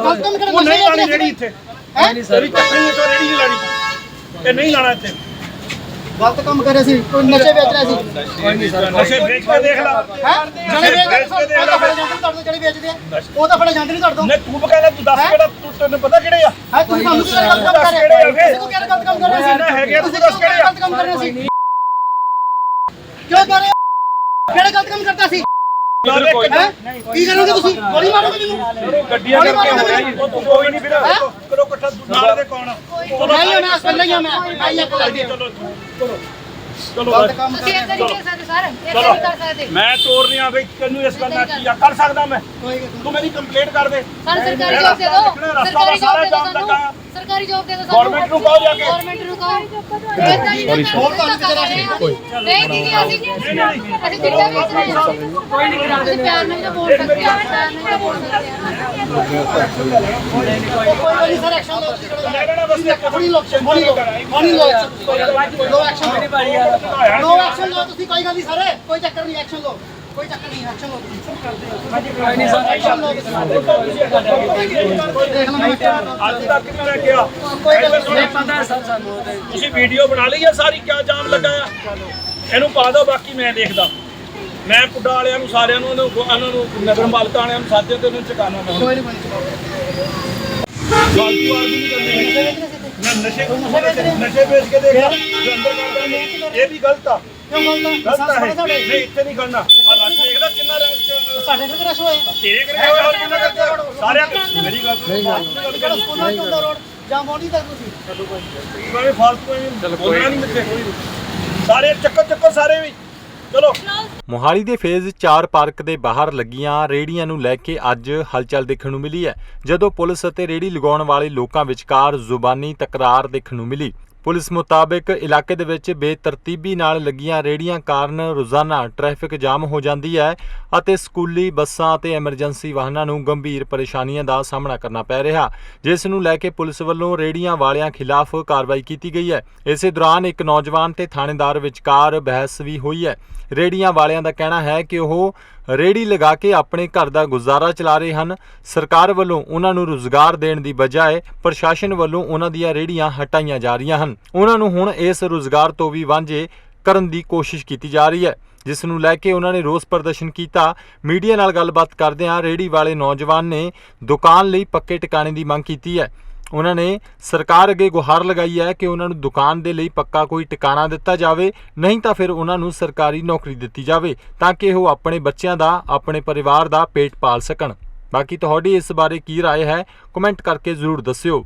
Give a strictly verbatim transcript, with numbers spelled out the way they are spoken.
ਉਹ ਨਹੀਂ ਲਾਣੀ ਰੇੜੀ ਇੱਥੇ ਹੈ ਨਹੀਂ ਸਰ ਚੱਕਣੀ ਤੋਂ ਰੇੜੀ ਨਹੀਂ ਲਾਣੀ ਇਹ ਨਹੀਂ ਲਾਣਾ ਇੱਥੇ ਗਲਤ ਕੰਮ ਕਰ ਰਹੇ ਸੀ ਕੋਈ ਨਸ਼ੇ ਵੇਚ ਰਿਹਾ ਸੀ ਕੋਈ ਨਹੀਂ ਸਰ ਨਸ਼ੇ ਵੇਚ ਕੇ ਦੇਖ ਲੈ ਹੈ ਜਿਹੜੇ ਵੇਚ ਕੇ ਦੇਖ ਲੈ ਜਿਹੜੇ ਵੇਚਦੇ ਆ ਉਹ ਤਾਂ ਫੜੇ ਜਾਂਦੇ ਨਹੀਂ ਤੁਹਾਡੇ ਤੋਂ ਨਹੀਂ ਤੂੰ ਬਕਾਇਦਾ ਤੂੰ ਦੱਸ ਕਿਹੜਾ ਤੂੰ ਤੈਨੂੰ ਪਤਾ ਕਿਹੜੇ ਆ ਹੈ ਤੂੰ ਸਾਨੂੰ ਕਿਹੜਾ ਗਲਤ ਕੰਮ ਕਰ ਰਿਹਾ ਹੈ ਤੂੰ ਕਿਹੜਾ ਗਲਤ ਕੰਮ ਕਰ ਰਿਹਾ ਸੀ ਹੈਗੇ ਤੂੰ ਦੱਸ ਕਿਹੜੇ ਗਲਤ ਕੰਮ ਕਰ ਰਿਹਾ ਸੀ ਕਿਉਂ ਕਰ ਰਹੇ ਕਿਹੜਾ ਗਲਤ ਕੰਮ ਕਰਦਾ ਸੀ ਕੀ ਕਰੋਗੇ ਤੁਸੀਂ ਗੋਲੀ ਮਾਰੋਗੇ ਮੈਨੂੰ ਗੱਡੀਆਂ ਕਰਕੇ ਹੋ ਰਿਹਾ ਜੀ ਕੋਈ ਨਹੀਂ ਵੀਰ ਕਰੋ ਇਕੱਠਾ ਨਾਲ ਦੇ ਕੌਣ ਨਹੀਂ ਮੈਂ ਅਸਲ ਨਹੀਂ ਮੈਂ ਆਈ ਇੱਕ ਲੱਗਦੀ ਚਲੋ ਚਲੋ ਚਲੋ ਤੁਸੀਂ ਇਹ ਤਰੀਕੇ ਸਾਡੇ ਸਰ ਇਹ ਨਹੀਂ ਕਰ ਸਕਦੇ ਮੈਂ ਤੋੜ ਨਹੀਂ ਆ ਬਈ ਤੈਨੂੰ ਇਸ ਗੱਲ ਨਾਲ ਕੀ ਕਰ ਸਕਦਾ ਮੈਂ ਤੂੰ ਮੇਰੀ ਕੰਪਲੇਂਟ ਕਰ ਦੇ ਸਾਨੂੰ ਸਰਕਾਰੀ ਜੌਬ ਦੇ ਦਿਓ ਸਰਕਾਰੀ ਜੌਬ ਦੇ ਦਿਓ ਸਾਨੂੰ ਸਰਕਾਰੀ ਜੌਬ ਦੇ ਦਿਓ ਸਾਨੂੰ ਗਵਰਨਮੈਂਟ ਨੂੰ ਕਹੋ ਜਾ ਕੇ ਗਵਰਨਮੈਂਟ ਨੂੰ ਕਹੋ ਇਦਾਂ ਨਹੀਂ ਹੋਰ ਤੁਹਾਨੂੰ ਕਿਤੇ ਰਾਸ਼ੀ ਨਹੀਂ ਦੀਦੀ ਅਸੀਂ ਅਸੀਂ ਚਿੱਟਾ ਵੇਚ ਰਹੇ ਹਾਂ ਕੋਈ ਨਹੀਂ ਕਰਾਉਂਦੇ ਪਿਆਰ ਨਾਲ ਬੋਲ ਸਕਦੇ ਆ ਪਿਆਰ ਨਾਲ ਬੋਲ ਸਕਦੇ ਆ ਕੋਈ ਨਹੀਂ ਸਰ ਐਕਸ਼ਨ ਲਓ ਲੈਣਾ ਬਸ ਥੋੜੀ ਲੋਕ ਮੋਨੀ ਲੋ ਮੋਨੀ ਲੋ ਲੋ ਐਕਸ਼ਨ ਮੇਰੀ ਬਾਰੀ ਆ ਲੋ ਐਕਸ਼ਨ ਲੋ ਤੁਸੀਂ ਕੋਈ ਗੱਲ ਨਹੀਂ ਸਰ ਕੋਈ ਚੱਕਰ ਨਹੀਂ ਐਕਸ਼ਨ ਲੋ ਕੋਈ ਚੱਕਰ ਨਹੀਂ ਐਕਸ਼ਨ ਲੋ ਕੋਈ ਨਹੀਂ ਸਰ ਐਕਸ਼ਨ ਲੋ ਦੇਖ ਲਓ ਮੈਂ ਅੱਜ ਤੱਕ ਮੈਂ ਕਿਹਾ ਕੋਈ ਗੱਲ ਨਹੀਂ ਪਤਾ ਸਰ ਸਾਨੂੰ ਤੁਸੀਂ ਵੀਡੀਓ ਬਣਾ ਲਈ ਹੈ ਸਾਰੀ ਕਿਆ ਜਾਮ ਲੱਗਾ ਆ ਇਹਨੂੰ ਪਾ ਦਿਓ ਬਾਕੀ ਮੈਂ ਦੇਖਦਾ ਮੈਂ ਪੁੱਡਾ ਵਾਲਿਆਂ ਨੂੰ ਸਾਰਿਆਂ ਨੂੰ ਉਹਨਾਂ ਨੂੰ ਨਗਰ ਪਾਲਿਕਾ ਵਾਲਿਆਂ ਨੂੰ ਸਾਧੇ ਤੇ ਉਹਨੂੰ ਚਕਾਣਾ ਮੈਂ ਕੋਈ ਨਹੀਂ ਫਾਲਤੂ ਆਦਮੀ ਨਹੀਂ ਕਰਨੇ ਮੈਂ ਨਸ਼ੇ ਨਸ਼ੇ ਵੇਚ ਕੇ ਦੇਖ ਅੰਦਰ ਕਰਦਾ ਇਹ ਵੀ ਗਲਤ ਆ ਕਿਉਂ ਗਲਤ ਹੈ ਨਹੀਂ ਇੱਥੇ ਨਹੀਂ ਕਰਨਾ ਆ ਰਸ਼ ਦੇਖਦਾ ਕਿੰਨਾ ਰਸ਼ ਸਾਡੇ ਘਰ ਰਸ਼ ਹੋਏ ਤੇਰੇ ਕਰੇ ਹੋਇਆ ਹੋਰ ਕਿੰਨਾ ਕਰਦੇ ਸਾਰਿਆਂ ਮੇਰੀ ਗੱਲ ਕਿਹੜਾ ਸਕੂਲਾਂ ਤੋਂ ਦਾ ਰੋਡ ਜਾਂ ਮੋੜੀ ਤੱਕ ਤੁਸੀਂ ਮੈਂ ਫਾਲਤੂ ਐਵੇਂ ਬੋਲਣਾ ਨਹੀਂ ਮਿੱਥੇ ਸਾਰੇ ਚੱਕਰ ਚੱਕਰ ਸਾਰੇ ਵੀ ਚਲੋ। ਮੋਹਾਲੀ ਦੇ ਫੇਜ਼ ਚਾਰ ਪਾਰਕ ਦੇ ਬਾਹਰ ਲੱਗੀਆਂ ਰੇਹੜੀਆਂ ਨੂੰ ਲੈ ਕੇ ਅੱਜ ਹਲਚਲ ਦੇਖਣ ਨੂੰ ਮਿਲੀ ਹੈ ਜਦੋਂ ਪੁਲਿਸ ਅਤੇ ਰੇਹੜੀ ਲਗਾਉਣ ਵਾਲੇ ਲੋਕਾਂ ਵਿਚਕਾਰ ਜ਼ੁਬਾਨੀ ਤਕਰਾਰ ਦੇਖਣ ਨੂੰ ਮਿਲੀ। ਪੁਲਿਸ ਮੁਤਾਬਕ ਇਲਾਕੇ ਦੇ ਵਿੱਚ ਬੇਤਰਤੀਬੀ ਨਾਲ ਲੱਗੀਆਂ ਰੇਹੜੀਆਂ ਕਾਰਨ ਰੋਜ਼ਾਨਾ ਟ੍ਰੈਫਿਕ ਜਾਮ ਹੋ ਜਾਂਦੀ ਹੈ ਅਤੇ ਸਕੂਲੀ ਬੱਸਾਂ ਅਤੇ ਐਮਰਜੈਂਸੀ ਵਾਹਨਾਂ ਨੂੰ ਗੰਭੀਰ ਪਰੇਸ਼ਾਨੀਆਂ ਦਾ ਸਾਹਮਣਾ ਕਰਨਾ ਪੈ ਰਿਹਾ, ਜਿਸ ਨੂੰ ਲੈ ਕੇ ਪੁਲਿਸ ਵੱਲੋਂ ਰੇਹੜੀਆਂ ਵਾਲਿਆਂ ਖਿਲਾਫ ਕਾਰਵਾਈ ਕੀਤੀ ਗਈ ਹੈ। ਇਸੇ ਦੌਰਾਨ ਇੱਕ ਨੌਜਵਾਨ ਤੇ ਥਾਣੇਦਾਰ ਵਿਚਕਾਰ ਬਹਿਸ ਵੀ ਹੋਈ ਹੈ। ਰੇਹੜੀਆਂ ਵਾਲਿਆਂ ਦਾ ਕਹਿਣਾ ਹੈ ਕਿ ਉਹ ਰੇਹੜੀ ਲਗਾ ਕੇ ਆਪਣੇ ਘਰ ਦਾ ਗੁਜ਼ਾਰਾ ਚਲਾ ਰਹੇ ਹਨ। ਸਰਕਾਰ ਵੱਲੋਂ ਉਹਨਾਂ ਨੂੰ ਰੁਜ਼ਗਾਰ ਦੇਣ ਦੀ ਬਜਾਏ ਪ੍ਰਸ਼ਾਸਨ ਵੱਲੋਂ ਉਹਨਾਂ ਦੀਆਂ ਰੇਹੜੀਆਂ ਹਟਾਈਆਂ ਜਾ ਰਹੀਆਂ ਹਨ। ਉਹਨਾਂ ਨੂੰ ਹੁਣ ਇਸ ਰੁਜ਼ਗਾਰ ਤੋਂ ਵੀ ਵਾਂਝੇ ਕਰਨ ਦੀ ਕੋਸ਼ਿਸ਼ ਕੀਤੀ ਜਾ ਰਹੀ ਹੈ, ਜਿਸ ਨੂੰ ਲੈ ਕੇ ਉਹਨਾਂ ਨੇ ਰੋਸ ਪ੍ਰਦਰਸ਼ਨ ਕੀਤਾ। ਮੀਡੀਆ ਨਾਲ ਗੱਲਬਾਤ ਕਰਦਿਆਂ ਰੇਹੜੀ ਵਾਲੇ ਨੌਜਵਾਨ ਨੇ ਦੁਕਾਨ ਲਈ ਪੱਕੇ ਟਿਕਾਣੇ ਦੀ ਮੰਗ ਕੀਤੀ ਹੈ। ਉਹਨਾਂ ਨੇ ਸਰਕਾਰ ਅੱਗੇ ਗੁਹਾਰ ਲਗਾਈ ਹੈ ਕਿ ਉਹਨਾਂ ਨੂੰ ਦੁਕਾਨ ਦੇ ਲਈ ਪੱਕਾ ਕੋਈ ਟਿਕਾਣਾ ਦਿੱਤਾ ਜਾਵੇ, ਨਹੀਂ ਤਾਂ ਫਿਰ ਉਹਨਾਂ ਨੂੰ ਸਰਕਾਰੀ ਨੌਕਰੀ ਦਿੱਤੀ ਜਾਵੇ ਤਾਂ ਕਿ ਉਹ ਆਪਣੇ ਬੱਚਿਆਂ ਦਾ, ਆਪਣੇ ਪਰਿਵਾਰ ਦਾ ਪੇਟ ਪਾਲ ਸਕਣ। ਬਾਕੀ ਤੁਹਾਡੀ ਇਸ ਬਾਰੇ ਕੀ ਰਾਏ ਹੈ, ਕਮੈਂਟ ਕਰਕੇ ਜ਼ਰੂਰ ਦੱਸਿਓ।